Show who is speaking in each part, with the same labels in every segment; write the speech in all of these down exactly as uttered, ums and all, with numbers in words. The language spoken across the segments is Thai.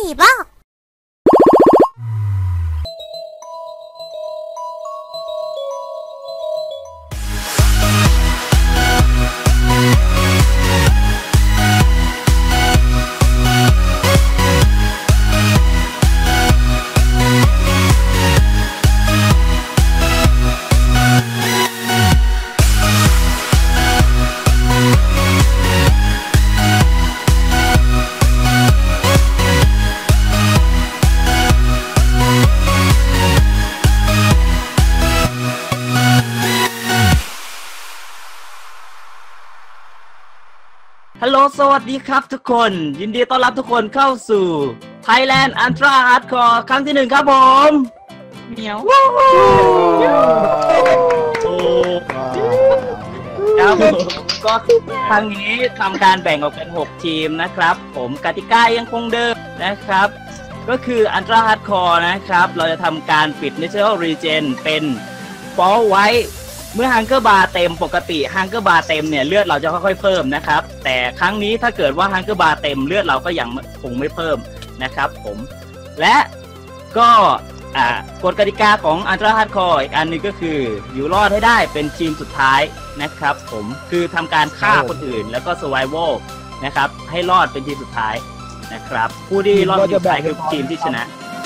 Speaker 1: บ้า
Speaker 2: ฮัลโหลสวัสดีครับทุกคนยินดีต้อนรับทุกคนเข้าสู่ Thailand Ultra Hardcore ครั้งที่หนึ่งครับผมเหมียวครับก็ครั้งนี้ทำการแบ่งออกเป็นหกทีมนะครับผมกติกายังคงเดิมนะครับก็คือ Ultra Hardcore นะครับเราจะทำการปิด Natural Regen เป็น Fall ไว้เมื่อฮังเกอร์บาร์เต็มปกติฮังเกอร์บาร์เต็มเนี่ยเลือดเราจะค่อยๆเพิ่มนะครับแต่ครั้งนี้ถ้าเกิดว่าฮังเกอร์บาร์เต็มเลือดเราก็ยังคงไม่เพิ่มนะครับผมและก็อ่ากฎกติกาของ Ultra Hardcore อีกอันนึงก็คืออยู่รอดให้ได้เป็นทีมสุดท้ายนะครับผมคือทำการฆ่าคนอื่นแล้วก็ Survival นะครับให้รอดเป็นทีมสุดท้ายนะครับผู้ที่รอดเป็นทีมสุดท้ายคือทีมที่ชนะ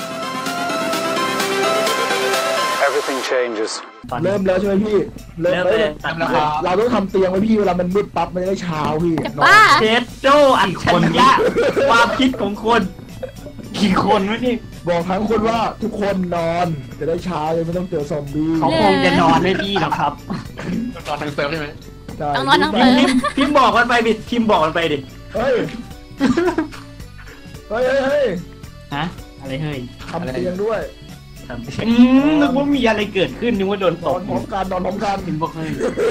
Speaker 3: Everything changes
Speaker 4: เริ่มแล้วใช่ไหมพี่
Speaker 2: เริ่มเลย
Speaker 4: เราต้องทำเตียงไว้พี่เวลามันมืดปั๊บมันจะได้เช้าพี่
Speaker 1: บ้า
Speaker 2: เชฟโจอัจฉริยะความคิดของคนกี่คนวะนี่
Speaker 4: บอกทั้งคนว่าทุกคนนอนจะได้เช้าเลยไม่ต้องเจอซอมบี้
Speaker 2: เขาคงจะนอนไม่พี่หรอกครับ
Speaker 3: นอนทั้งเซิร์ฟใช่ไหม
Speaker 1: ต้องนอนทั้งเซิร์ฟ
Speaker 2: พิมพ์บอกมันไปดิพิมพ์บอกมันไปดิ
Speaker 4: เฮ้ยเฮ้ยเฮ้ย
Speaker 2: ฮะอะไรเฮ้ย
Speaker 4: ทำเตียงด้วย
Speaker 2: อืมนึกว่ามีอะไรเกิดขึ้นนึกว่าโดนตก
Speaker 4: นอนพร้อมกันนอนพร้อมกัน
Speaker 2: พิมพ์บอกเฮ้ย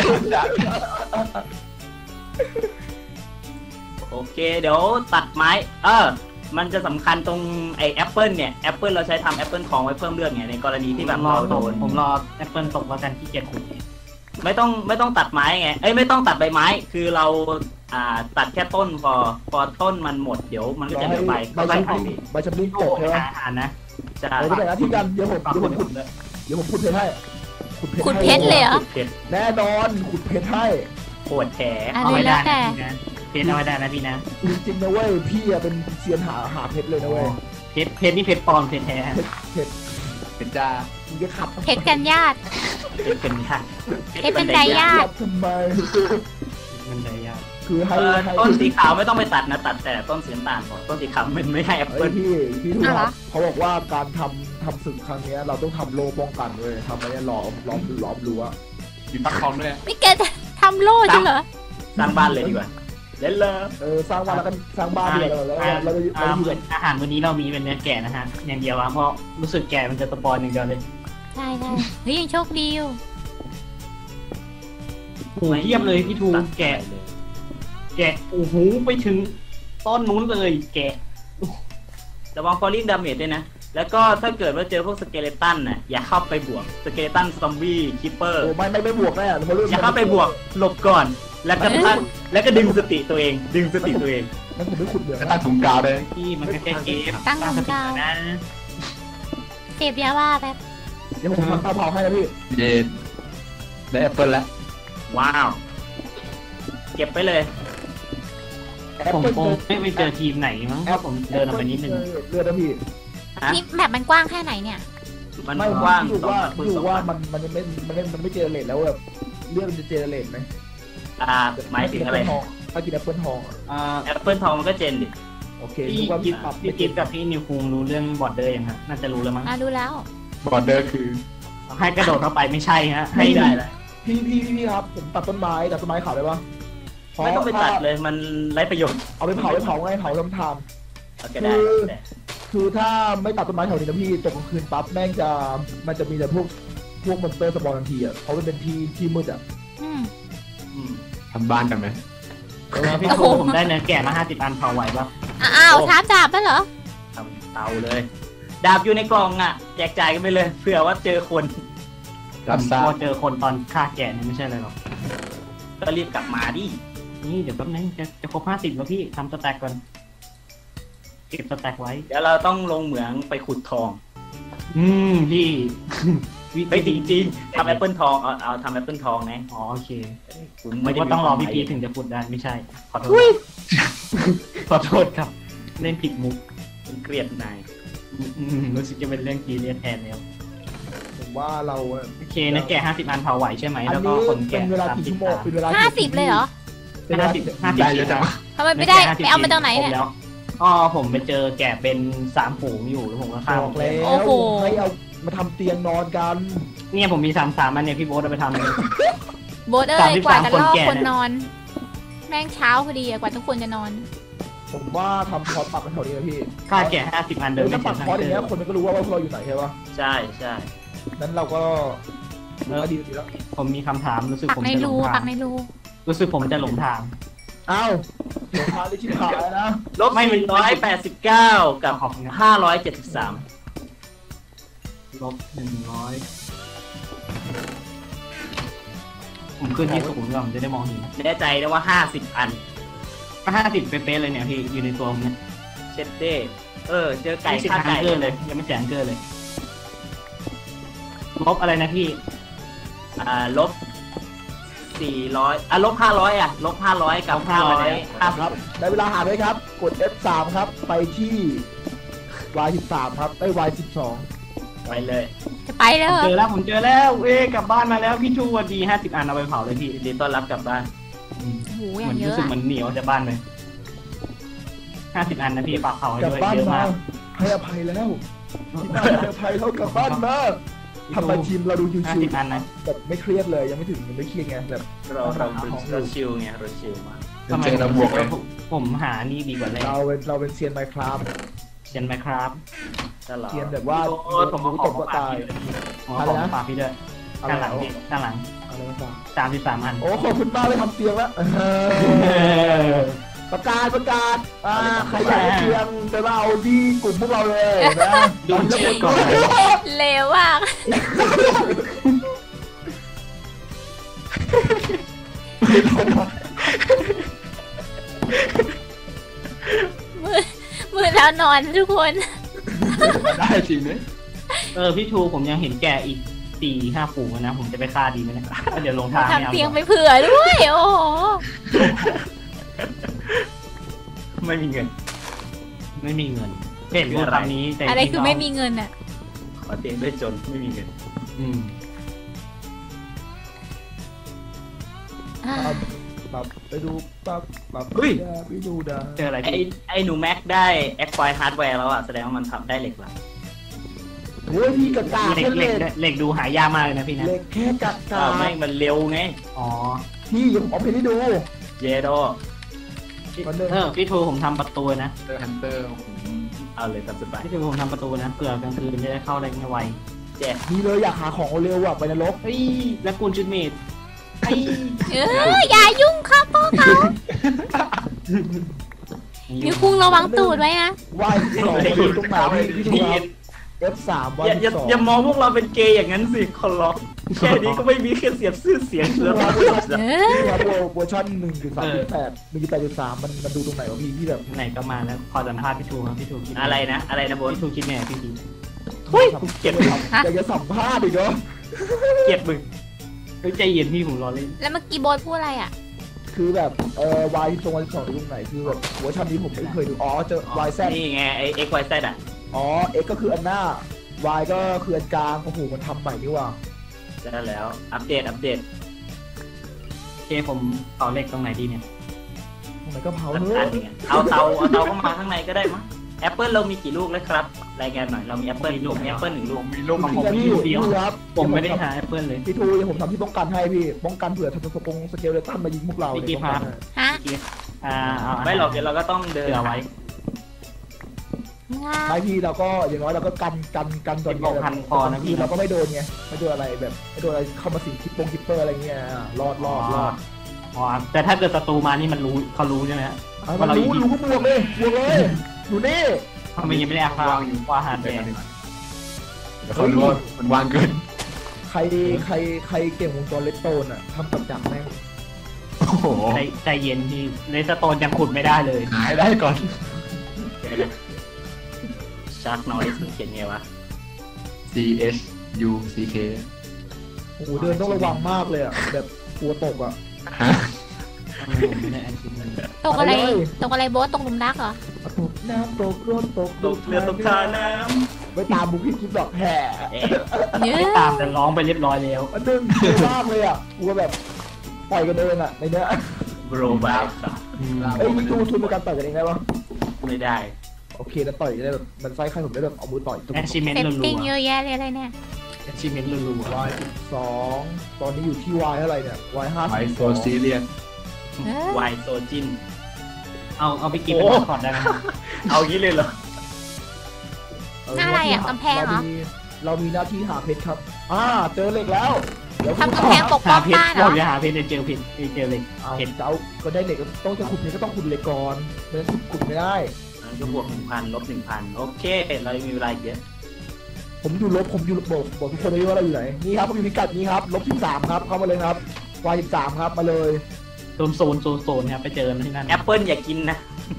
Speaker 2: โอเคเดี๋ยวตัดไม้เออมันจะสำคัญตรงไอ้แอปเปิลเนี่ยแอปเปิลเราใช้ทำแอปเปิลทองไว้เพิ่มเลือดไงในกรณีที่แบบเราโดนผมรอแอปเปิลตกแล้วกันที่เกียจขุดไม่ต้องไม่ต้องตัดไม้ไงเอ้ยไม่ต้องตัดใบไม้คือเราอ่าตัดแค่ต้นพอพอต้นมันหมดเดี๋ยวมันก็จะเหลือใบ
Speaker 4: ใบชำนิใบชำนิตกใช่ไหม
Speaker 2: อ่านนะ
Speaker 4: จะไปแต่ละที่กันเดี๋ยวผมเดี๋ยวผมขุดเดี๋ยวผมขุดเพชรให้
Speaker 1: ขุดเพชรเลยเหรอ
Speaker 4: แน่นอนขุดเพชรให้
Speaker 2: ปวดแผล
Speaker 1: เอาไว้ได้
Speaker 2: นะเพชรเอาไว้ได้นะพี่นะ
Speaker 4: จริงๆนะเว้ยพี่เป็นเซียนหาหาเพชรเลยนะเว้ย
Speaker 2: เพชรเพชรนี่เพชรปลอมเพชรแท้
Speaker 4: เพชร
Speaker 3: เพชรจ้า
Speaker 4: มึงจะขับ
Speaker 1: เพชรกันญาติ
Speaker 2: เพชรเป็นญาติ
Speaker 1: เพชรเป็นไดญาติ
Speaker 4: ทำไม
Speaker 2: มันไดญาติ
Speaker 4: คือให้
Speaker 2: ต้นสีขาวไม่ต้องไปตัดนะตัดแต่ต้นสีน้ำตาลก่อนต้นสีขาวมันไม่ให้แอปเปิ้ล
Speaker 4: พี่พี่ถูกเขาบอกว่าการทำทำศึกครั้งนี้เราต้องทำโล่ป้องกันเลยทำอะไรล้อมล้อมล้อมรั้ว
Speaker 3: มีปักคอมด้วย
Speaker 1: ไม่แกจะทำโล่จริงเหรอ
Speaker 2: สร้างบ้านเลยดีกว่าเล่นเลย
Speaker 4: เออสร้างบ้านแล้วกันสร้างบ้านเลยแล้วเรา
Speaker 2: เราเหมือนอาหารวันนี้เรามีเป็นเนื้อแกะนะฮะอย่างเดียวเพราะรู้สึกแกะมันจะสปอยอย่างเดียวเลย
Speaker 1: ใช่ใช่เฮ้ยยังโชคดีอยู่
Speaker 2: โอ้เยี่ยมเลยพี่ทูแกะแกะโอ้โหไปถึงต้นนู้นเลยแกะระวังฟอลลิ่งดาเมจด้วยนะแล้วก็ถ้าเกิดว่าเจอพวกสเกเลตันน่ะอย่าเข้าไปบวกสเกเลตันซอมบี้คิปเปอร์
Speaker 4: โอ้ไม่ไม่ไม่บวกได้อ่ะ
Speaker 2: อย่าเข้าไปบวกหลบก่อนแล้วก็ตั้งแล้วก็ดึงสติตัวเองดึงสติตัวเอง
Speaker 4: นั่นผมไม่ขุดเดือด
Speaker 3: ตั้งถุงกาวเลย
Speaker 2: พี่มันแค่เกม
Speaker 1: ตั้งถุงกาว
Speaker 2: นะ
Speaker 1: เสพยาบ้าแบบ
Speaker 4: เดี๋ยวผมทำข้าวเผาให้นะพี่
Speaker 3: เย็นได้แอปเปิลแล้ว
Speaker 2: ว้าวเก็บไปเลยผมคงไม่ไปเจอทีมไหนมั้งเพราะผมเดินออกไปนิดนึง
Speaker 4: เลือดนะพี่
Speaker 1: นี่แบบมันกว้างแค่ไหนเนี่ย
Speaker 2: มันกว้าง
Speaker 4: ดูว่าดูว่ามันมันไม่มันไม่มันไม่เจเนเรตแล้วแบบเลือดมันจะเจเนเรตไหม
Speaker 2: อ่าหมายถึงอะไร
Speaker 4: ถ้ากินแอปเปิลทอง
Speaker 2: อ่าแอปเปิลทองมันก็เจนดิ
Speaker 4: โอเค
Speaker 2: พี่กิฟพี่กิฟกับพี่นิวคุงรู้เรื่องบอร์เดอร์ยังฮะน่าจะรู้แล้วมั้ง
Speaker 1: อ่ารู้แล้ว
Speaker 3: บอร์เดอร์คือ
Speaker 2: ให้กระโดดเข้าไปไม่ใช่ฮะให้ได้เลย
Speaker 4: พี่พี่พี่ครับผมตัดต้นไม้ตัดต้นไม้ขาวได้ปะ
Speaker 2: ไม่ต้องไปตัดเลยมันไร้ประโยชน์
Speaker 4: เอาไปเผาไปเผาไงเผาทำท
Speaker 2: ำคือ
Speaker 4: คือถ้าไม่ตัดต้นไม้แถวนี้นะพี่ตกกลางคืนปั๊บแม่งจะมันจะมีแต่พวกพวกมอนสเตอร์สปอนทันทีอ่ะเพราะมันเป็นที่ที่มืดอ่ะ
Speaker 3: ทำบ้านกันไหม
Speaker 2: พี่โคผมได้เนื้อแกะมาห้าสิบอันเผาไหวปะ
Speaker 1: อ้าวท้าดาบป่ะเหรอ
Speaker 2: ทำเตาเลยดาบอยู่ในกล่องอ่ะแจกจ่ายกันไปเลยเผื่อว่าเจอคน
Speaker 3: รับทราบ
Speaker 2: เจอคนตอนฆ่าแกะนี่ไม่ใช่เลยหรอกก็รีบกลับมาดินี่เดี๋ยวแป๊บนึงจะจะครบห้าสิบแล้วพี่ทำสแต็กก่อน
Speaker 5: เก็บสแต็กไว้
Speaker 2: เดี๋ยวเราต้องลงเหมืองไปขุดทอง
Speaker 5: อืมพี่
Speaker 2: ไปจริงๆทำแอปเปิลทองเอาเอาทำแอปเปิลทองนะ
Speaker 5: อ๋อโอเค
Speaker 2: คุณ
Speaker 5: ไม่ว่าต้องรอพี่พีถึงจะพูดได้ไม่ใช่ ขอโทษขอโทษครับเล่นผิดมุก
Speaker 2: ผมเกลียดนาย
Speaker 5: อืมรู้สึกจะเป็นเรื่องกีเรียนแทนแล้ว
Speaker 4: ผมว่าเรา
Speaker 5: โอเคนะแกะห้าสิบอันเผาไหวใช่ไหม
Speaker 4: อัน
Speaker 5: แล้วก็
Speaker 4: นี้
Speaker 5: คน
Speaker 4: เป็
Speaker 5: แกะ
Speaker 4: นเวลา
Speaker 5: สาม
Speaker 4: กี่
Speaker 5: สิบ
Speaker 4: ชั่วโมงเป็นเวลา
Speaker 1: ห้าสิบเลยเหรอ
Speaker 4: เป็นเวลา
Speaker 5: ห้าสิบห้าสิบ
Speaker 3: ได้เยอะจัง
Speaker 1: ทำไมไม่ได้ไปเอามาจากไหนเนี่ย
Speaker 5: แล้วอ๋อผมไปเจอแกะเป็นสามฝูงอยู่แล้วผมก็ฆ่า
Speaker 4: บอกแล้ว
Speaker 1: โอ้โห
Speaker 4: ให้เอามาทำเตียงนอนกัน
Speaker 5: เนี่ยผมมีสามสามอันเนี่ยพี่โบ๊ทเอาไปทำเลย
Speaker 1: โบสเอ้
Speaker 5: สาม
Speaker 1: ย
Speaker 5: สิบ
Speaker 1: กว่า
Speaker 5: สาม
Speaker 1: จะ
Speaker 5: คน
Speaker 1: ล่อ
Speaker 5: แก่
Speaker 1: คนนอน แม่งเช้าพอดีอะกว่าทุกคนจะนอน
Speaker 4: ผมว่าทำพอร์ตปักกันแถวนี้นะพี่
Speaker 5: ค่าแกะห้าสิบอันเดิ
Speaker 4: เดี๋ย
Speaker 5: น
Speaker 4: ว
Speaker 5: ไม่
Speaker 4: ถ้า
Speaker 5: เสี
Speaker 4: ปั
Speaker 5: ย
Speaker 4: ก
Speaker 5: ทาง
Speaker 4: พอร์ตอ
Speaker 5: เดิ
Speaker 4: ย่างเงี้ย
Speaker 5: น
Speaker 4: คนมันก็รู้ว่าพวกเราอยู่ไหนใช่ปะ
Speaker 2: ใช่ใช่
Speaker 4: นั้นเราก็
Speaker 5: เออ
Speaker 4: ดีดีแล้ว
Speaker 5: ผมมีคำถามรู้สึก
Speaker 1: ปัก
Speaker 5: ผม
Speaker 1: ใน
Speaker 5: จะหล
Speaker 1: รู
Speaker 5: ง
Speaker 1: ปั
Speaker 5: ทาก ง
Speaker 1: ในรู
Speaker 5: รู้สึกผมจะหลงทาง
Speaker 4: อ้าวเดี๋ยวพาได้ชิบหายนะ
Speaker 2: ลบสี่ร้อยแปดสิบเก้ากับ
Speaker 5: ขอบคุณครับ
Speaker 2: ห้าร้อยเจ็ดสิบสาม
Speaker 5: ลบหนึ่งร้อยผมขึ้นที่สูงก่อนผมจะได้มองเห็น
Speaker 2: แน่ใจนะว่าห้าสิบอัน
Speaker 5: ก็ห้าสิบเป๊ะๆเลยเนี่ยพี่อยู่ในตัวผมเนี่ย
Speaker 2: เช็ดเด้เออ เจอไก่
Speaker 5: ไม่สิบ
Speaker 2: ฆ่า
Speaker 5: แอง
Speaker 2: ไก่
Speaker 5: เกอร์เลยยังไม่แสนเกอร์เลยลบอะไรนะพี่
Speaker 2: อ่าลบสี่ร้อยอ่ะลบห้าร้อยอ่ะ ลบห้าร้อยกับห้าร้อยห้า
Speaker 4: ครับ ได้เวลาหาด้วยครับ กด เอฟ สาม ครับ ไปที่ วาย สิบสาม ครับไอ้ วาย สิบสอง
Speaker 2: ไปเลย
Speaker 1: จะไปแล้วเหรอ
Speaker 5: เจอแล้วผมเจอแล้วเอ้กลับบ้านมาแล้วพี่ชูวันดีห้าสิบอันเอาไปเผาเลยพี่
Speaker 2: ยินดีต้อนรับกลับบ้าน
Speaker 1: โอ้โหอ
Speaker 5: เห
Speaker 1: ย่า
Speaker 5: มือง น
Speaker 1: เย
Speaker 5: รู้
Speaker 1: อะ
Speaker 5: สึก
Speaker 1: อะ
Speaker 5: เหมือนเหนียวจากบ้านเลยห้าสิบอันนะพี่ฝากเผาให้
Speaker 4: กลับ
Speaker 5: ด้วย
Speaker 4: บ้าน
Speaker 5: เยอะ
Speaker 4: มาม
Speaker 5: าก
Speaker 4: ให้อภัยแล้วที่บ้านให้อภัยแล้วกลับบ้านมาทำไมทีมเราดู
Speaker 5: ห้า
Speaker 4: ชิว
Speaker 5: สิบอันนะ
Speaker 4: ๆแบบไม่เครียดเลยยังไม่ถึงยังไม่เครียดไงแบบ
Speaker 2: เราเราเราชิลไงเราชิลมาก
Speaker 5: ทำไม
Speaker 3: เจอระบวกเลย
Speaker 5: ผมผมหานี่ดีกว่าเลย
Speaker 4: เราเป็นเราเป็นเซียนไมค์ครับ
Speaker 5: เชียนไหมครับ
Speaker 2: ตลอด
Speaker 4: เซียนแบบว่า
Speaker 2: โอ้ผม
Speaker 4: ตบก็ตาย
Speaker 5: อ๋อ
Speaker 4: อะไร
Speaker 5: ของ
Speaker 4: นะ
Speaker 5: ฝากพี่ด้วย
Speaker 4: อะไร
Speaker 5: ด้านหลัง
Speaker 4: นะ
Speaker 5: พี่ด้านหลัง
Speaker 4: อะไรนะจ๊ะ
Speaker 5: สามสิบสามอัน
Speaker 4: โอ้ขอบคุณมากเลยทำเตียงแล้วเออประกาศประกาศอ่าใครอยากได้เตียงไปมาเอาที่กลุ่มพวกเราเลยนะ
Speaker 5: ดูชื่อก่อน
Speaker 1: เลวมากมือมือแล้วนอนทุกคน
Speaker 3: ได้จริงไหม
Speaker 5: เออพี่ชูผมยังเห็นแกอีกสี่ห้าฝูงนะ ผมจะไปฆ่าดีไหมเนี่ยเดี๋ยวลงทางไม่เอา
Speaker 1: ทำเตียงไปเผื่อด้วย โอ้โห
Speaker 2: ไม่มีเงิน
Speaker 5: ไม่มีเงินเห็นพูดคำนี้แต่
Speaker 1: อะไรคือไม่
Speaker 5: จ
Speaker 1: มี
Speaker 5: งๆ
Speaker 1: เงินอ่ะ
Speaker 2: ขอเตียงด้วยจนไม่มีเงิน
Speaker 5: อืม
Speaker 4: ปั๊บปั๊บไปดูปั๊บปั๊บไปดูดา
Speaker 5: เจออะไร
Speaker 2: ไอ
Speaker 5: พี่
Speaker 2: ไอหนูแม็กได้แอคไฟฮาร์ดแวร์แล้วอ่ะ แสดงว่ามันทำได้เหล็กแล้ว
Speaker 4: โอ้ยพี่กะกา
Speaker 5: เหล็ก
Speaker 4: แค่
Speaker 5: เห
Speaker 4: เห
Speaker 5: ล็
Speaker 4: ล็
Speaker 5: ก
Speaker 4: ก
Speaker 5: ด้วยเหล็กดูหายากมากเลยนะพี่นะ
Speaker 4: เหล็กแค่กะกา
Speaker 2: อ้าวไม่มันเร็วไง
Speaker 5: อ๋อ
Speaker 4: พี่ผมเอาไปให้ดู
Speaker 2: เยโด
Speaker 4: มันเลย
Speaker 5: เออพี่ทูผมทำประตูนะ
Speaker 3: เตอร์ฮันเตอร์
Speaker 2: เอาเลยตามสบาย
Speaker 5: พี่ทูผมทำประตูนะเผื่อกลางคืนจะได้เข้าได้ง่ายไว
Speaker 2: แจก
Speaker 4: นี่เลยอยากหาของเร็วอ่ะไปนรก
Speaker 5: เฮ้ยแล้วกูลชุดเมดไอ้
Speaker 1: เอออย่ายุ่งครับพ่อเขานิ้วคุงระวังตูดไว้นะ
Speaker 4: วายสองไปดูตรงไหนพี่พี่ดูครับ เอฟ สาม วา
Speaker 2: อย ย่าอย่า
Speaker 4: สอง
Speaker 2: อย่ามองพวกเราเป็นเกย์อย่างนั้นสิคนล็อกแค่นี้ก็ไม่มีแค่เสียบชื่อเสียงแล้ว
Speaker 1: เออ
Speaker 4: นี่ครับเวอร์ชันหนึ่งจุดสามจุดแปดหนึ่งจุดแปดจุดสามมันมันดูตรงไหนวะพี่ที่แบบ
Speaker 5: ไหนก็มาแล้วขอสัมภาษณ์พี่ทูครับพี่ทูคิด
Speaker 2: อะไรนะ อะไรนะโบน
Speaker 5: พี่ทูคิดไงพี่ที
Speaker 2: เฮ้ยกูเกลียดมึง
Speaker 4: อยากจะสัมภาษณ์อีกเหรอ
Speaker 2: เกลียดมึง
Speaker 5: เฮ้ยใจเย็นพี่ผมรอเล่น
Speaker 1: แล้วเมื่อกี้โบทพูดอะไรอ่ะ
Speaker 4: คือแบบเอ่อวายตรงวันที่สองดูตรงไหนคือแบบเวอร์ชันนี้ผมไม่เคยดูอ๋อเจอวายแซด
Speaker 2: นี่ไงไอเอ็กไวแซดอ่ะ
Speaker 4: อ๋อ X ก็คืออันหน้า Y ก็คืออันกลางโอ้โหมันทำใหม่นี่ว่ะ
Speaker 2: ได้แล้ว อัปเดต อัปเดต
Speaker 5: โอเคผมต่อเลขตรงไหนดีเนี่ย
Speaker 4: ทำไมก็เผา
Speaker 2: อัน
Speaker 4: เน
Speaker 2: อั
Speaker 4: อะ
Speaker 2: นเนี่ยเอาเตาเอาเตาเข้ามาข้างในก็ได้มั้งแอปเปิลเรามีกี่ลูกแล้วครับ รายงานหน่อย เรามีแอปเปิลผมมีแอปเปิลหนึ่งลูก
Speaker 3: มีลูก
Speaker 5: ของผม
Speaker 4: พี่
Speaker 5: มีลูกเดียว
Speaker 4: พี่ครับ
Speaker 5: ผมไม่ได้หาแอปเปิลเลย
Speaker 4: พี่ทูเดี๋ยวผมทำที่ป้องกันให้พี่ ป้องกันเผื่อทำสปงสเกลเลตันมายิงพวกเรา
Speaker 5: พี่
Speaker 4: เนี่ย
Speaker 5: กีพา
Speaker 4: ป้องกันให้
Speaker 1: ฮะ
Speaker 5: อ่าเอา
Speaker 2: ไม่หรอกเดี๋ยวเราก็ต้องเดิน
Speaker 5: เสือไว้
Speaker 4: ไม่พี่เราก็อย่างน้อยเราก็กันกันกันตอน
Speaker 5: บอกพันพอนะพี่
Speaker 4: เราก็ไม่โดนไงไม่โดนอะไรแบบไม่โดนอะไรเข้ามาสิงคิปปงคิปเปอร์อะไรเงี้ยรอดรอดรอด
Speaker 5: อ๋อแต่ถ้าเกิดศัตรูมานี่มันรู้เขารู้ใช่ไหมฮะ
Speaker 4: เอามารู้รู้ก็บวกเลยบวกเลยอยู่นี่
Speaker 5: ทำไมยังไม่ได้อาคาวอยู่ว่าหาแดง
Speaker 3: เดี๋ยวเขารู้ว่ามันวางเกิน
Speaker 4: ใครใครใครเก่งวงจรเลสโตนอ่ะทำกับจักรแม่ง
Speaker 3: โอ้โห
Speaker 5: ใจใจเย็นพี่เลสโตนยังขุดไม่ได้เลย
Speaker 3: หายได้ก่อน
Speaker 2: เชาร์กนอยส์เขียนไงวะ
Speaker 3: C H U C K
Speaker 4: โอ้โหเดินต้องระวังมากเลยอ่ะแบบกลัวตกอ่ะ
Speaker 3: ฮะ
Speaker 5: ผมไม่ได้แอนชิมมัน
Speaker 1: ตกอะไร
Speaker 4: ไปเลย
Speaker 1: ตกอะไรโบ๊ทตกหลุมรักเหรอ
Speaker 4: ตกน้ำตกรถตก
Speaker 2: ตกเรือตกทาน้
Speaker 4: ไม่ตามบุคลิกคิดหรอกแห่
Speaker 2: ำเอ๊ะ
Speaker 1: เนื้อ
Speaker 5: ไม่ตามแต่ร้องไปเรียบร้อยแล้ว
Speaker 4: มันดึงกลัวมากเลยอ่ะกลัวแบบต่อยกันเองอ่ะในเนี้ย
Speaker 2: บรบายครับ
Speaker 4: เอ้ยมีทูทุนในการต่อยกันเองได้ปะ
Speaker 2: ไม่ได้
Speaker 4: โอเคแล้วต่อยได้แบบมันไส้ใครผมได้แบบเอามือต่อยตุ๊บ
Speaker 5: แอนชิเมน
Speaker 1: เซต
Speaker 5: ต์รัว
Speaker 1: ติ้งเยอะแยะเลยอะไรเนี่ย
Speaker 5: ๆแอนชิเมนต์รัว
Speaker 4: วายสิบสองตอนนี้อยู่ที่วายเท่าไหร่เนี่ยวายห้า
Speaker 3: ไอ
Speaker 4: สิบ
Speaker 3: โซซีเรียน
Speaker 1: เออ
Speaker 2: วายโซจิน
Speaker 5: ๆเอาเอาไปกินเป็นมาสคอตได้ไหม
Speaker 2: เอางี้เลยเหรอ
Speaker 1: หน้าอะไรอ่ะกำแพงเหรอ
Speaker 4: เรามีเรามีหน้าที่หาเพชรครับอ่าเจอเหล็กแล้วเดี๋ยว
Speaker 1: ทำกำแพงปกป้
Speaker 5: หา
Speaker 1: อง
Speaker 5: เพชร
Speaker 1: บ้านเหร
Speaker 5: เรา
Speaker 1: อ
Speaker 5: จะหาเพชรในเจลเพชรในเจลเลย
Speaker 4: เอา
Speaker 5: เห็น
Speaker 4: เจ้าก็ได้เหล็กก็ต้องจะขุดเพชรก็ต้องขุดเหล็กก่อนไม่งั้นขุดไม่ได้
Speaker 2: มันก็บวกหนึ่งพันลบหนึ่งพันโอเค เรายังมีเวลาอีกเยอะ
Speaker 4: ผมอยู่ลบผมอยู่ลบบอกบอกทุกคนเลยว่าเราอยู่ไหนนี่ครับผมอยู่พิกัดนี้ครับลบสิบสามครับเข้ามาเลยครับวายสิบสามครับมาเลย
Speaker 5: โซนโซนโซนโซนครับไปเจอกันที่นั่น
Speaker 2: แอปเปิลอย่ากินนะ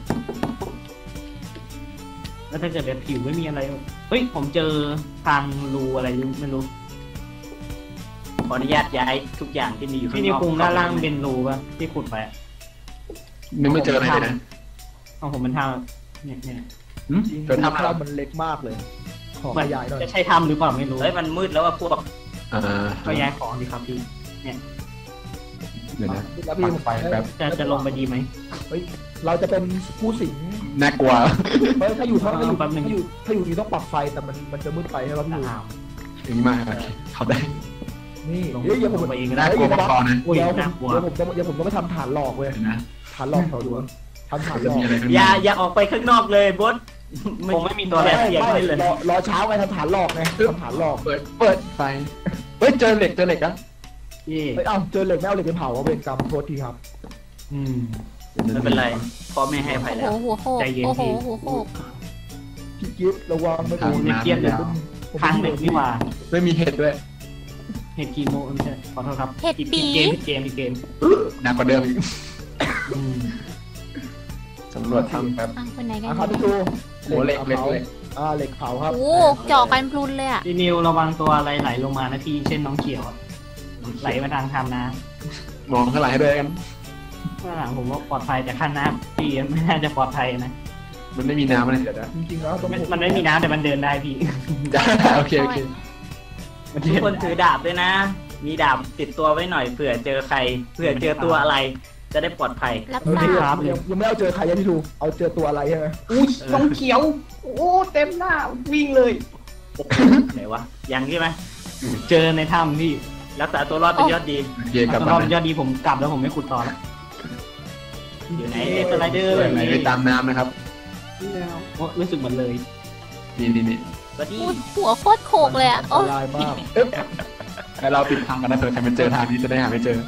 Speaker 5: แล้วถ้าเกิดแบบผิวไม่มีอะไรเฮ้ยผมเจอทางรูอะไรไม่รู้
Speaker 2: ขออนุญาตย้ายทุกอย่างที่มีอยู่ข้า
Speaker 5: พี่
Speaker 2: ง
Speaker 5: นิ
Speaker 2: น
Speaker 5: ว
Speaker 2: อก
Speaker 5: คุงด้านล่างเป็นรูป่ะที่ขุดไป
Speaker 3: นึกไม่เจออะไรเลยนะ
Speaker 5: ของผมเป็นทางเนี่ยเนี่ย
Speaker 3: หืม
Speaker 4: จริง
Speaker 3: เจอทำอะไร
Speaker 4: ภาพมันเล็กมากเลย ขอ
Speaker 5: เหมื
Speaker 4: ข
Speaker 5: อน
Speaker 4: ยายหน่อย
Speaker 5: จะใช่ทำหรือเปล่าไม่รู้
Speaker 2: เฮ้ยมันมืดแล้วว่าพวก
Speaker 3: อ่า
Speaker 5: ก็ย้ายของดีครับพี่
Speaker 3: เดี๋ยวนะ
Speaker 4: แล้ว
Speaker 3: ปั
Speaker 4: พี่
Speaker 3: กไฟแป๊บ
Speaker 5: จะจะลงไปดีไหม
Speaker 4: เราจะเป็นผู้สิง
Speaker 3: น่ากลัว
Speaker 4: เฮ้ยถ้าอยู่ถ้าอยู่
Speaker 5: แป๊บนึง
Speaker 4: ถ้าอยู่ถ้าอยู่นี่ต้องปรับไฟแต่มันมันจะมืดไปใช่ไหมพี่
Speaker 5: อ้าว
Speaker 3: อย่างนี้มาเขาได้
Speaker 4: นี่
Speaker 5: ลง
Speaker 4: เดี๋ยวเดี๋ยวผม
Speaker 5: ลงไปเองก็
Speaker 3: น่า
Speaker 5: ได้
Speaker 3: กลัวมังกรนะ
Speaker 5: อุ้ย
Speaker 4: เดี๋ยวผม
Speaker 5: น่ากลัว
Speaker 4: เดี๋ยวผมจะเดี๋ยวผมต้องไปทำฐานหลอกเว้ย
Speaker 3: เห็นนะ
Speaker 4: ฐานหลอกแถวดวงทำฐานห
Speaker 3: จะ
Speaker 4: ลอก
Speaker 3: มีอะไรข้าง
Speaker 2: อ
Speaker 3: ใน
Speaker 2: ย่าอย่าออกไปข้างนอกเลยบด
Speaker 5: คงไม่มีตัวอะไร
Speaker 2: เสียง
Speaker 4: ไม่
Speaker 2: ไม่เลย
Speaker 4: รอรอเช้าไงทำฐานหลอกไงทำฐานหลอก
Speaker 3: เปิดเปิดไฟเฮ้ยเจอเหล็กเจอเหล็กนะ
Speaker 5: เย่
Speaker 4: เฮ้ยเอ้าเจอเหล็กไม่เอาเหล็กไปเผาเอาเวรกรรมโทษทีครับ
Speaker 5: อืม
Speaker 2: ไม่เป็นไรพ่อแม่ให้อภัย
Speaker 1: โอ้
Speaker 2: แล้ว
Speaker 1: โหหัวโขก
Speaker 5: ใจเย็น
Speaker 1: โอ้โห
Speaker 5: พี่
Speaker 1: หัวโขก
Speaker 4: พี่กิฟต์ระวังไม่
Speaker 3: ทาง
Speaker 4: โดน
Speaker 3: น้ำ
Speaker 5: เกียบเลย
Speaker 3: แล้ว
Speaker 4: ผม
Speaker 5: ทางเด็กนี่หว่า
Speaker 3: ไม่มีเห็ดด้วย
Speaker 5: เห็ดกีโมไม่ใช่ขอโทษครับ
Speaker 1: เห็ด
Speaker 5: ผิด
Speaker 1: ปี
Speaker 5: เกมผิดเกมผิดเกม
Speaker 3: หนักกว่าเดิมอีก
Speaker 5: อืม
Speaker 3: สำรวจทำแป๊บ
Speaker 1: อ่ะคนไหนกัน
Speaker 4: อ่ะครับพี่จู
Speaker 3: โอ้เหล็กเหล็ก
Speaker 4: ผา
Speaker 3: เหล็ก
Speaker 4: อ่าเหล็กเผาครับ
Speaker 1: โอ้เจาะกันพลุนเลยอ่ะ
Speaker 5: พี่นิวระวังตัวอะไรไหลลงมานะพี่เช่นน้องเขียวอะไหลมาทางทำนะ
Speaker 3: มองข้างหลังให้ด้วยกัน
Speaker 5: ข้างหลังผมว่าปลอดภัยแต่ข้างหน้าพี่ไม่น่าจะปลอดภัยนะ
Speaker 3: มันไม่มีน้ำอะไรเดี๋ยวนะ
Speaker 4: จริงๆแล้วต้อง
Speaker 5: มันมันไม่มีน้ำแต่มันเดินได้พี่
Speaker 3: จ้าโอเคโอเค
Speaker 5: มัน
Speaker 2: ทุ
Speaker 5: เดิ
Speaker 2: ก
Speaker 5: น
Speaker 2: คนถือดาบด้วยนะ มีดาบติดตัวไว้หน่อยเผื่อเจอใครเผื่อเจอตัวอะไร จะได้ปลอดภัย
Speaker 1: รับ
Speaker 4: เออ
Speaker 1: ทรา
Speaker 4: พี่
Speaker 1: บ
Speaker 4: ยังยังไม่เอาเจอใครยังพี่ทูเอาเจอตัวอะไรใช่ไหม
Speaker 5: อุ้ยน้องเขียว โอ้เต็มหน้าวิ่งเลย
Speaker 2: ไหนวะยังใช่ไหม
Speaker 5: เจอในถ้ำพี่
Speaker 2: รักษาตัวรอดเป็นยอดดี
Speaker 3: โอเคกลับ
Speaker 5: ต
Speaker 3: มา
Speaker 5: อนยอดดีผมกลับแล้วผมไม่ขุดต่อแล้ว
Speaker 2: อยู่ไหนเดสไลเดอร์
Speaker 3: ไหนไปตามน้ำนะครับ
Speaker 5: โอ้รู้สึกเหมือนเลย
Speaker 3: นี่นี่นี่
Speaker 2: สวัสดี
Speaker 1: พูดหัวโคตรโขกเลยอ่ะ
Speaker 4: อั
Speaker 1: โอ้
Speaker 4: นตรายมาก
Speaker 3: ให้เราปิดทางกันนะเถอะใครมันเจอทางนี้จะได้หาไม่เจอ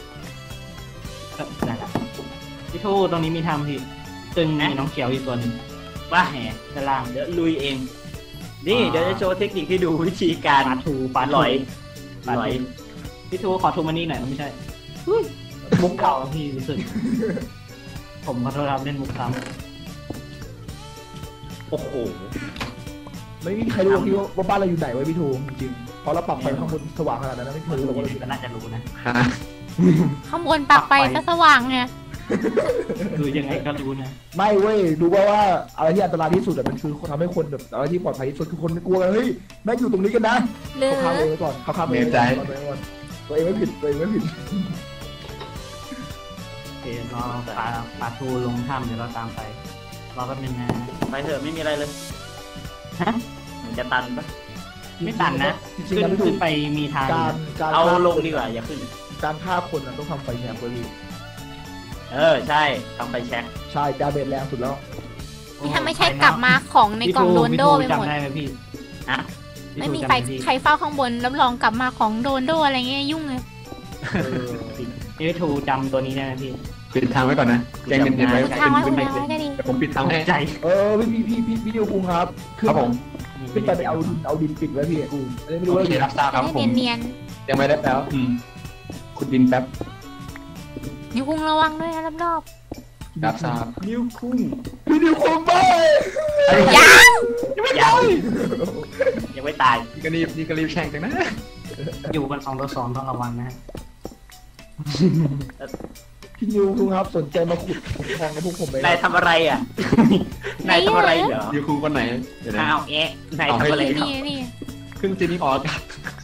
Speaker 5: ได้ละพี่ทูตรงนี้มีถ้ำพี่ซึ่งมีน้องเขียวอีกตัวหนึง
Speaker 2: ว่า
Speaker 5: แหมด้านล่าง
Speaker 2: เดี๋ยวลุยเอง นี่เดี๋ยวจะโชว์เทคนิคให้ดูวิธีการ
Speaker 5: ปลาทูปลา
Speaker 2: หลอย
Speaker 5: ปลา
Speaker 2: หลอย
Speaker 5: ทูพี่ทูขอทูมานี่หน่อยไม่ใช่มุกเก่าพี่รู้สึก ผมขอโทษครับเล่นมุกซ้
Speaker 2: โอ้โห
Speaker 4: ไม่มีใครรู้หรอกพี่ว่าบ้านเราอยู่ไหนไว้พี่ทูจริงๆเพราะเราปรับไฟข้างบนสว่างขนาดนั้นนะไม่
Speaker 5: ำ
Speaker 4: เค
Speaker 5: ค
Speaker 4: ย
Speaker 5: น
Speaker 4: รู้หร
Speaker 5: ดู
Speaker 4: อกว่าเราอยู่
Speaker 5: ก็
Speaker 4: ไหน
Speaker 5: น่าจะรู้นะ
Speaker 3: ฮะ
Speaker 1: ข้างบนปรับไปซะสว่างไง
Speaker 5: คือยังไงก็รู้นะ
Speaker 4: ไม่เว้ยรู้ว่าว่าอะไรที่อันตรายที่สุดอะมันคือทำให้คนแบบอะไรที่ปลอดภัยที่สุดคือคนไม่กลัวกันเฮ้ยแม่งอยู่ตรงนี้กันนะ
Speaker 1: หรือ
Speaker 4: เขาข้ามเองไว้ก่อนเขาข้ามเองไว้ก่อนตัวเองไว้ก่อนตัวเองไม่ผิดตัวเองไม่ผิด
Speaker 5: โอเครอปลาปลาทูลงถ้ำเดี๋ยวเราตามไปรอแป๊บนึงนะ
Speaker 2: ไปเถอะไม่มีอะไรเลย
Speaker 5: ฮะ
Speaker 2: มันจะตันปะ
Speaker 5: ไม่ตันนะ
Speaker 4: จริง
Speaker 5: ขึ้
Speaker 4: ๆ
Speaker 5: น
Speaker 4: แล้วพี่ทู
Speaker 5: ขึ้นไปมีทาง
Speaker 4: การการ
Speaker 2: เอา
Speaker 4: ฆ่
Speaker 2: ลงดีกว่าอย่าขึ้น
Speaker 4: การฆ่าคนอะต้องทำไฟแช็กไว้พี่
Speaker 2: เออใช่ทำไฟแช็ค
Speaker 4: ใช่ดาเมจแรงสุดแล้ว
Speaker 1: นี่ถ้าไม่ใช่กลับมาของในกล่องโดนโดไปหมด
Speaker 5: จำได้ไหมพี่
Speaker 2: ฮะ
Speaker 1: ไม่มี
Speaker 5: พี่
Speaker 1: ใคร
Speaker 5: จำด้ห
Speaker 1: ใครเฝ้าข้างบนรับรองกลับมาของโดนโดอะไรเงี้ยยุ่งเลย
Speaker 4: เออ
Speaker 5: พี่ทูจำตัวนี้ได้ไหมพี่
Speaker 3: ปิดทางไว้ก่อนนะแจ้งเย็นๆไว้
Speaker 1: ทางไว้
Speaker 3: ขึ้น
Speaker 1: คุณ
Speaker 3: ไป
Speaker 1: ไว้ก็ดี
Speaker 3: เดี๋ยวผมปิดทางให้
Speaker 5: ใจ
Speaker 4: เออพี่พี่พี่พี่ดิวคุงครับขึ้น
Speaker 3: ครับผม
Speaker 4: ขึ้นไปไปเอาดินเอาดินปิดไว้พี่กูอันนี้ไม่รู้
Speaker 3: โอ
Speaker 4: ว่า
Speaker 3: เค
Speaker 4: อยู่
Speaker 3: รับทราบครับผม
Speaker 1: เนียน
Speaker 3: ยังไม่ได้แล้วอืมขุดดินแป๊บ
Speaker 1: ๆนิ้วคุงระวังด้วยนะรอบ
Speaker 3: รับทราบ
Speaker 2: นิ้วคุ้ง
Speaker 4: พี่ดิวคุงไป
Speaker 1: ๆยัง
Speaker 2: ยัง
Speaker 3: นี่ก็รีบนี่ก็รีบแช่งจังนะ
Speaker 5: อยู่กันสองต่อสองต้องระวังนะฮะ
Speaker 4: พี่นิวคุณครับสนใจมาขุดขุดทองกับพวกผมไหม
Speaker 2: นายทำอะไรอ่ะ นายทำอะไรเหรอ
Speaker 3: ยูครูคนไหนเดี๋ยวนะ
Speaker 2: อ้าวเอ๊ะนายทำอะไรเหรอ
Speaker 1: นี่นี่
Speaker 3: ขึ้นซีนิ่งออกอากาศ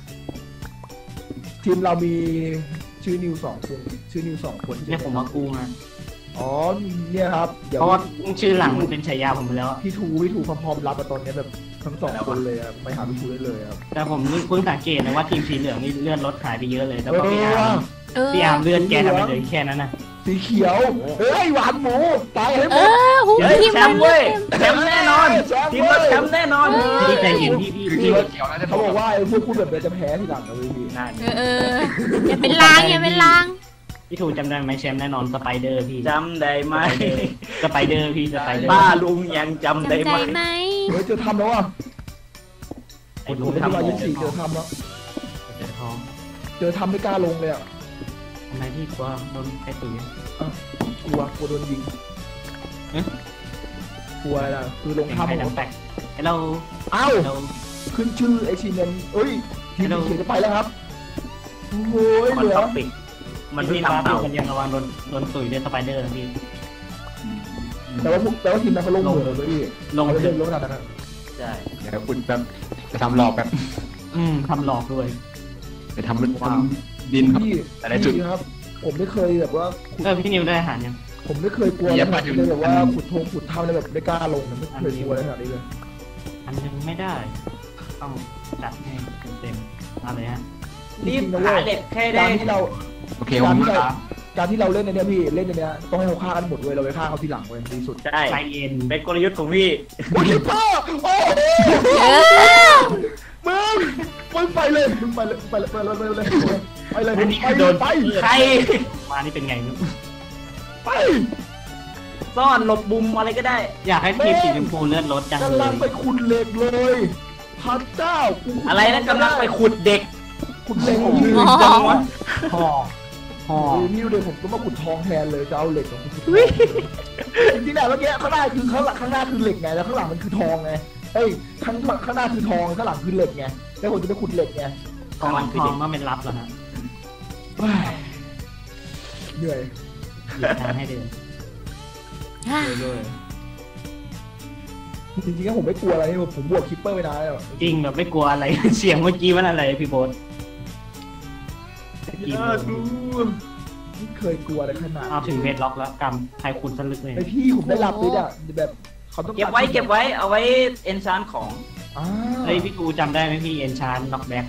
Speaker 4: ทีมเรามีชื่อนิวสองคนชื่อนิวสองคน
Speaker 5: เนี่ยผมมากู้มา
Speaker 4: อ๋อเนี่ยครับเดี๋ยว
Speaker 5: เพราะว่าชื่อหลังมันเป็นฉายาผมไปแล้วอะ
Speaker 4: พี่ทูพี่ทูพร้อมๆรับมาตอนนี้แบบทั้งสองคนเลยอะไปหาพี่ทูได้เลยครับ
Speaker 5: แต่ผมนี่เพิ่งสังเกตนะว่าทีมสีเหลืองนี่เลื่อนรถหายไปเยอะเลยแล้วก็พี่อา
Speaker 4: เอ
Speaker 5: ร์ม
Speaker 4: อ
Speaker 1: เออ
Speaker 5: พี่อาร์มเลื่อนแกทำไมเหลยแค่นั้นนะ
Speaker 4: สีเขียวเฮ้ยหวานหมูตายให้ห
Speaker 1: เอ
Speaker 4: มด
Speaker 1: อหู
Speaker 2: เฮ้ย
Speaker 1: ทีม
Speaker 2: แช
Speaker 1: มัน
Speaker 2: มป์เว้ยแชมป์แน่นอนทีมเราแชมป์แน่นอน
Speaker 5: พี่ใจเย็นพี่พี่
Speaker 3: คือ
Speaker 5: พี่
Speaker 3: ที่ว่าเกี่ยวนะจะ
Speaker 4: เขาบอกว่าไอ้พวกพูดแบบนี้จะแพ้ทีหลังนะเว้ยพี่
Speaker 2: นั่น
Speaker 1: เออเอออย่าเป็นลางอย่าเป็นลาง
Speaker 5: พี่ถูกจำได้ไหมแชมป์แน่นอนสไปเดอร์พี่
Speaker 2: จำได้ไหม
Speaker 5: สไปเดอร์พี่สไปเดอร์
Speaker 2: ป้าลุงยังจำ
Speaker 1: จำ
Speaker 2: ได้
Speaker 1: ใจ
Speaker 2: ไหม
Speaker 1: ไหม
Speaker 4: เฮ้ยเจอทำแล้วอ่ะ
Speaker 5: ไอ้
Speaker 4: ผ
Speaker 5: ลุ
Speaker 4: ม
Speaker 5: ง
Speaker 4: ได้
Speaker 5: ทำ
Speaker 4: ที่
Speaker 5: ข
Speaker 4: วา
Speaker 5: อง
Speaker 4: ยี่สี่เจอทำแล้ว
Speaker 5: เจ็บท้อง
Speaker 4: เจอทำไม่กล้าลงเลยอ่ะ
Speaker 5: ทำไมพี่กลัวโดนไอ้ตุ๋ย
Speaker 4: กลัวกลัวโดนยิงกลัวอะไรล่ะคือลง
Speaker 5: เป็น
Speaker 4: ทำ
Speaker 5: ไข่ดำแตกไอ้เรา
Speaker 4: เอ้า
Speaker 5: เรา
Speaker 4: ขึ้นชื่อไอชีเมนเอ้ยทีมเขียนจะไปแล้วครับโอ้ย
Speaker 2: มัน
Speaker 4: เหลือ
Speaker 2: ต้องปิดมัน
Speaker 5: พี่
Speaker 2: ไม่
Speaker 5: ทำ
Speaker 2: ทำ
Speaker 5: เต่า
Speaker 2: เต่า
Speaker 5: คนยังระวังโดนโดนตุ๋ยด้วยสไปเดอร์พี่
Speaker 4: แต่ว่าพวกแต่ว่าทีมนั้นเขาลงเหมือนเลยพี่
Speaker 5: ลง
Speaker 4: เขา
Speaker 5: ถึ
Speaker 4: เล่
Speaker 5: ง
Speaker 4: นลงขนาดนั้นอะ
Speaker 2: ใช่
Speaker 3: เดี๋ยวคุณแบบจะทำหลอกแบบ
Speaker 5: อืมทำหลอกด้วย
Speaker 3: จะทำทำดินครับ
Speaker 4: พี่
Speaker 3: แต่ละจุด
Speaker 4: พี่ครับ ผมไม่เคยแบบว่าขุด
Speaker 5: เออพี่นิวได้อาหารยัง
Speaker 4: ผมไม่เคยกลัว
Speaker 3: เยี่
Speaker 4: เลย
Speaker 3: ยมมาก
Speaker 4: เลยแบบว่าขุดทงขุดถ้ำเลยแบบไม่กล้าลงนะไม่เคยกลัวอะไรขนาดนี้เลย
Speaker 5: อันยังไม่ได้ ต้องจัดให้เต็มๆเอาเลยฮะ
Speaker 2: รีบ
Speaker 4: จงๆนะ
Speaker 2: หา
Speaker 4: เว้ย
Speaker 2: เหล็กให้
Speaker 4: กา
Speaker 2: ได้
Speaker 4: รที่เรา
Speaker 3: โอเคผมมา
Speaker 4: การที่เราเล่นในเนี้ยพี่เล่นในเนี้ยต้องให้เขาฆ่ากันหมดเว้ยเราไปฆ่าเขาทีหลังเว้ยดีสุด
Speaker 2: ใช่
Speaker 5: ใจเย็น
Speaker 2: เป็นกลยุทธ์ของพี่
Speaker 4: โอ้ยพ่อโอ้โห
Speaker 1: เออ
Speaker 4: มึงมึงไปเลยมึงไปเลยไปเลยไปเลยไปเลยไปเลย
Speaker 5: อันนี้
Speaker 4: ไป
Speaker 5: คือ
Speaker 4: เล
Speaker 5: โด
Speaker 4: ย
Speaker 5: น
Speaker 4: ไป
Speaker 2: ใคร
Speaker 5: มานี่เป็นไงนุ๊ก
Speaker 4: ไป
Speaker 2: ซ่อนหลบมุมอะไรก็ได้
Speaker 5: อยากให้ทีมสีชมพูเลื่อนรถจังเล
Speaker 4: กำลัง
Speaker 5: ย
Speaker 4: ไปขุดเหล็กเลยพระเจ้ากูขุด
Speaker 2: อะไรนะกำลังไปขุดเด็ก
Speaker 4: ขุดเหล็ก
Speaker 2: ยื
Speaker 4: ยื
Speaker 2: น
Speaker 4: น
Speaker 2: จังวะ
Speaker 5: ห่อห่อ
Speaker 4: พี่ดูเดี๋ยวผมก็มาขุดทองแทนเลยจะเอาเหล็กของคุณจริงๆเนี่ยเมื่อกี้ข้างหน้าคือข้างหลังข้างหน้าคือเหล็กไงแล้วข้างหลังมันคือทองไงเอ้ยข้างข้างหน้าคือทองข้างหลังคือเหล็กไงแล้วผมจะไปขุดเหล็กไง
Speaker 5: ทองทองก็เป็นลับแล้วฮะ
Speaker 4: เฮ้ยเหนื่อย
Speaker 5: หลีกทางให้เดิน
Speaker 1: อ่ะ
Speaker 4: เลยจริงๆแล้วผมไม่กลัวอะไรนี่ผมบวกคิปเปอร์ไปนานแล้ว
Speaker 5: จริงแบบไม่กลัวอะไร เสียงเมื่อกี้มันอะไรพี่โบ๊ท
Speaker 4: อย่าดูไม่เคยกลัวอะไรขนาด
Speaker 5: เอาถึงเวทล็อกแล้วกำใครคุณสลึกเลย
Speaker 4: ไอพี่ผมได้รับเลยอ่ะแบบเขาต้อง
Speaker 2: เก็บไว้เก็บไว้เอาไว้เอนชานของ
Speaker 4: อ่า
Speaker 5: เฮ้ยพี่กูจำได้ไหมพี่เอนชานน็อกแบ็ก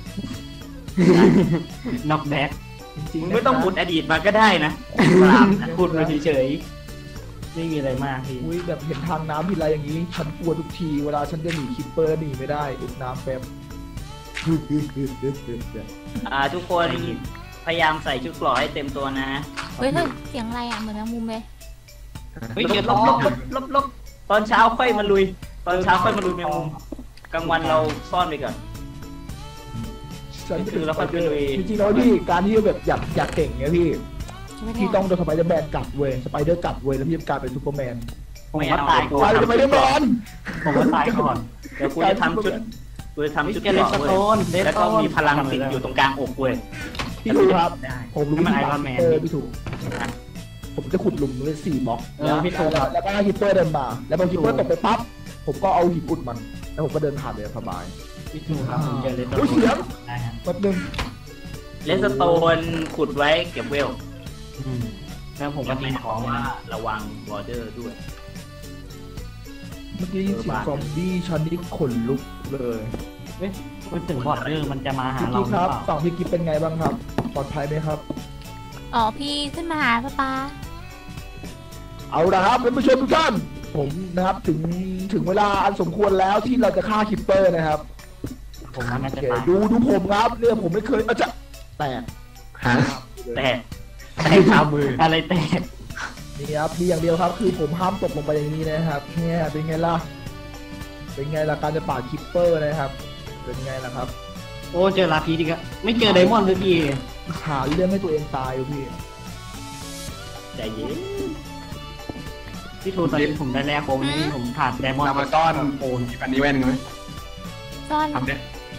Speaker 5: น็อกแบ็ก
Speaker 4: จริง
Speaker 2: มึง
Speaker 4: ๆ
Speaker 2: ไม่ต้อง
Speaker 4: นะ
Speaker 2: ขุดอดีตมาก็ได้นะ
Speaker 5: พูดมาเฉยๆไม่มีอะไรมากพี่
Speaker 4: อุ้ยแบบเห็นทางน้ำทีไรอย่างนี้ฉันกลัวทุกทีเวลาฉันจะหนีคิปเปอร์หนีไม่ได้อุดน้ำแป๊บ
Speaker 2: อ่าทุกคนพยายามใส่ชุดเกราะให้เต็มตัวนะ
Speaker 1: เฮ้ยเฮ้ยเสียงอะไรอ่ะเหมือนแมงมุมเลย
Speaker 5: เฮ้ย
Speaker 2: ล
Speaker 5: เจอบ
Speaker 2: ล
Speaker 5: ทอบ ง
Speaker 2: ลบลบลบตอนเช้าค่อยมาลุย ตอนเช้าค่อยมาลุยแมงมุมกลางวันเราซ่อนไปก่อน
Speaker 4: ฉัน
Speaker 2: คือเราค่อยไปลุย
Speaker 4: จริงๆแล้วพี่การที่แบบอยากอยากเก่งเนี่ยพี่
Speaker 1: ไม่ได้
Speaker 4: พี่ต้องโดนสไปเดอร์แมนกัดเว้ยสไปเดอร์กัดเว้ยแล้วพี่จะกลายเป็นซูเปอร์แมน
Speaker 5: ผมว่าตายก่
Speaker 4: ก
Speaker 5: อ
Speaker 4: ลาย
Speaker 5: น
Speaker 4: เป็นสไปเดอร์แมน
Speaker 5: ผมว่าตายก่อน
Speaker 2: เดี๋ยวกูจะทำชุดกูจะทำชุด
Speaker 5: เก
Speaker 2: เก
Speaker 5: เล
Speaker 2: ราะ
Speaker 5: ส
Speaker 2: เว้
Speaker 5: โต
Speaker 2: ย
Speaker 5: น
Speaker 2: แล้วก็มีพลังติดอยู่ตรงกลางอกเว้ย
Speaker 4: พี่ถูกครับ
Speaker 2: ได้
Speaker 4: ผมรู้
Speaker 5: นี่มัน
Speaker 4: ที่
Speaker 5: Iron Man
Speaker 4: เออพี่ถูกผมจะขุดหลุมเลยสี่บล็อก
Speaker 5: เออพี่ถูก
Speaker 4: แล้วแล้วก็ให้ฮิปเปอร์เดินมา แล้วพอฮิปเปอร์ตกไปปั๊บผมก็เอาหินอุดมัน แล้วผมก็เดินผ่านเลยสบาย
Speaker 5: พี่ถูกครับผมเจอเลสโต
Speaker 4: โอ้ยเสียง
Speaker 5: ได้ฮะ
Speaker 4: แป๊บนึง
Speaker 2: เลสโตนขุดไว้เก็บเวล
Speaker 5: อืมแล้วผมก็ทิ้งของ
Speaker 2: ว่า
Speaker 5: ว่า
Speaker 2: ระวังบอร์เดอร์ด้วย
Speaker 4: เมื่อกี้เสียงซอมบี้ชันนี่ขนลุกเลย
Speaker 5: พูดถึงบอร์ดเดอร์มันจะมาหา
Speaker 4: พี่
Speaker 5: เรา
Speaker 4: กิ๊
Speaker 5: ห
Speaker 4: ค
Speaker 5: รือ
Speaker 4: รับ
Speaker 5: เปล่า
Speaker 4: ฝั่งพี่กิ๊ฟเป็นไงบ้างครับ ปลอดภัยไหมครับ
Speaker 1: อ๋อพี่ขึ้นมาหาป้าป้า
Speaker 4: เอาละครับท่านผู้ชมทุกท่าน ผมนะครับถึงถึงเวลาอันสมควรแล้วที่เราจะฆ่าคิปเปอร์นะครับ
Speaker 5: ผมว่าน่า
Speaker 4: โอ
Speaker 5: จะ
Speaker 4: เค
Speaker 5: ตาย
Speaker 4: ดูดูผมครับเนี่ยผมไม่เคยอาจจะแตก
Speaker 3: ฮะ
Speaker 2: แต่แต่คามือ
Speaker 5: อะไรแตก
Speaker 4: นี่ครับมีอย่างเดียวครับ คือผมห้ามตกลงไปอย่างนี้นะครับเนี่ยเป็นไงล่ะเป็นไงล่ะการจะปาดคิปเปอร์นะครับ เป็นไงล่ะครับ
Speaker 5: โอ้เจอลาพีดีกะไม่เจอไดมอนด์เลยพี่
Speaker 4: หาเรื่องให้ตัวเองตายอยู่พี่
Speaker 2: ใจเย็น
Speaker 5: พี่ทูตอนนี้ผมได้แรกโปรนี่ผมขาดไดมอนด์
Speaker 3: เรามาต้อน
Speaker 5: โอน
Speaker 3: อันนี้แว่นไหม
Speaker 1: ซ่อน
Speaker 3: ทำเนี่ย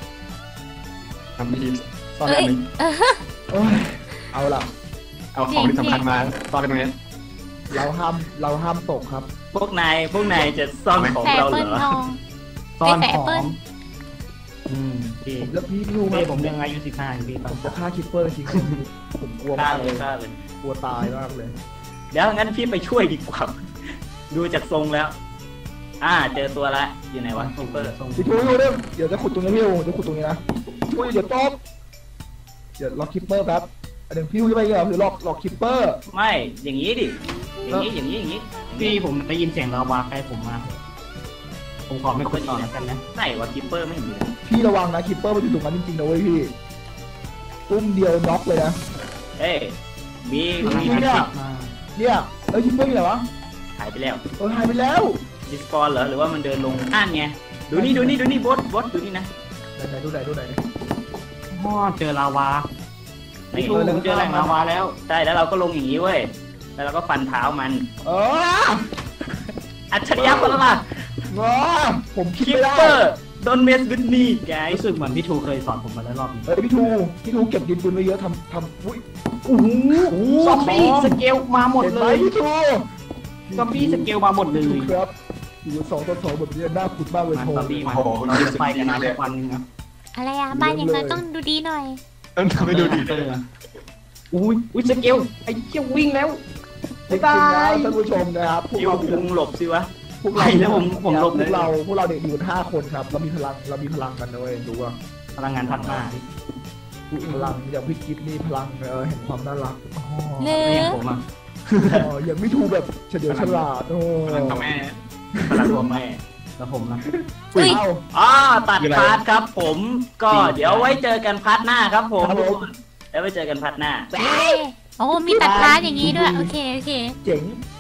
Speaker 3: ทำทีซ่อนอันหนึ่ง
Speaker 4: โอ้ยเอาล่ะ
Speaker 3: เอาของที่สำคัญมาซ่อนกันตรงนี้
Speaker 4: เราห้ามเราห้ามตกครับ
Speaker 2: พวกนายพวกนายจะซ่อนของ
Speaker 1: แส
Speaker 2: เรา
Speaker 1: เปิ
Speaker 2: เหร
Speaker 1: ล
Speaker 2: อ
Speaker 1: ทอง
Speaker 5: ซ่อน
Speaker 1: ไม่
Speaker 5: ข
Speaker 1: แฝง
Speaker 5: อ
Speaker 1: เปิ้ล
Speaker 5: งอืมพี่
Speaker 4: ผมแล้วพี่รู้ไหม
Speaker 5: พี่ผมยังอายุสิบห้าอยู่พี่ตอ
Speaker 4: ผ
Speaker 5: น
Speaker 4: มจะฆ่าคิปเปอร์จริงๆผมกลัวาก
Speaker 2: ฆ่ามเล
Speaker 4: เลย ย
Speaker 2: ฆ่าเลย
Speaker 4: กลัวตายมากเลย
Speaker 2: เดี๋ยวงั้นพี่ไปช่วยดีกว่า ดูจากทรงแล้ว อ่า เจอตัวละอยู่ไหนวะคิปเปอร์
Speaker 4: พี่ทูอยู่เนี่ยเดี๋ยวจะขุดตรงนี้พี่ทูจะขุดตรงนี้นะช่วยเดี๋ยวตบเดี๋ยวล็อกคิปเปอร์แป๊บอันหนึ่งพี่ทูจะไปเหรอหรือล็อกล็อกคิปเปอร์
Speaker 2: ไม่อย่างนี้ดิอย่างนี้อย่างนี้อย่างนี้
Speaker 5: พี่ผมได้ยินเสียงลาวาใกล้ผมมาผมขอไม่คุยต่อแล้วกันนะ
Speaker 2: ไหนวะคิปเปอร์ไม่เห็นมีเลย
Speaker 4: พี่ระวังนะคิปเปอร์มันอยู่ตรงนั้นจริงๆนะเว้ยพี่ตุ้มเดียวน็อกเลยนะ
Speaker 2: เอ้ยมี
Speaker 5: พลัง
Speaker 2: มี
Speaker 5: งาน
Speaker 4: เนี่ย
Speaker 5: ติดมา
Speaker 4: เนี่ยแล้วคิปเปอร์อยู่ไหนวะ
Speaker 2: หายไปแล้ว
Speaker 4: เออหายไปแล้ว
Speaker 2: ดิสปอนเหรอหรือว่ามันเดินลงอ่านไงดูนี่ดูนี่ดูนี่บอสบอสดูนี่นะ
Speaker 4: ไหนๆดูไหนดูไหน
Speaker 5: พ่อเจอลาวา
Speaker 2: นี่
Speaker 5: พี่ผมเจอแหล่งลาวาแล้ว
Speaker 2: ใช่แล้วเราก็ลงอย่างนี้เว้ยแล้วเราก็ฟันเท้ามัน
Speaker 4: เออ
Speaker 2: อัจฉริยะคนละล่ะ
Speaker 4: ว้าผมคิด
Speaker 2: คิป
Speaker 4: ไม่ได้
Speaker 2: เปอร์โดนเมสวินนี่ไก
Speaker 5: รู้สึกเหมือนพี่ทูเคยสอนผมมาแล้วรอบนี้
Speaker 4: เอ้ยพี่ทูพี่ทูเก็บดินปืนไว้เยอะทำทำอุ้ย
Speaker 5: โอ้โหซอมบี้สเกลมาหมด
Speaker 4: เห็น
Speaker 5: เล
Speaker 4: ไหม
Speaker 5: ย
Speaker 4: พี่ทู
Speaker 5: ซอมบี้สเกลมาหมดเลย
Speaker 4: พี่ทูครับอยู่สองต่อสองแบบนี้น่าขุดมากเลย
Speaker 5: มา
Speaker 4: โท
Speaker 5: ซอมบี้มา
Speaker 3: โอ้โห
Speaker 5: เราจะไปกันนะสักวันหนึงนะ
Speaker 1: อะไรอะบ้านอย่างนั้นต้องดูดีหน่อย
Speaker 3: เออทำให้ดูดี
Speaker 5: เอออุ้ยอุ้ยสเกลไอ้เชี่ยวิ่งแล้ว
Speaker 4: จริงๆนะท่านผู้ชมนะครับพวก
Speaker 2: ยิว
Speaker 4: เรา
Speaker 2: พุงหลบสิวะ
Speaker 4: พวกเรา
Speaker 2: ไปแล้วผมผมหลบ
Speaker 4: พ
Speaker 2: เล
Speaker 4: วย กเราพวกเราเด็กอยู่กันห้าคนครับเรามีพลังเรามีพลังกันนะเว้ยดูว่า
Speaker 5: พลังงานพัดมา
Speaker 4: พลังอย่างพี่กิฟนี่พลังเออเห็นความน่ารักอ๋อ
Speaker 1: เลื
Speaker 5: ไม่
Speaker 1: อ
Speaker 5: อย่างผมอ่ะ
Speaker 4: อ๋ออย่างพี่ทูแบบเฉลียวฉลาดโอ้
Speaker 3: พลังทำแม่
Speaker 2: พลังตัวแม่
Speaker 5: แล้วผมนะ
Speaker 1: อุ้ย
Speaker 4: เอ้า
Speaker 2: อ๋อตัดพาร์ทครับผมก็เดี๋ยวไว้เจอกันพาร์ทหน้าครับผม
Speaker 4: ครับผม
Speaker 2: แล้วไว้เจอกันพาร์ทหน้า
Speaker 1: โอ้มีตัดพาร์ทอย่างนี้ด้วย โอเค โอเค
Speaker 4: เจ๋ง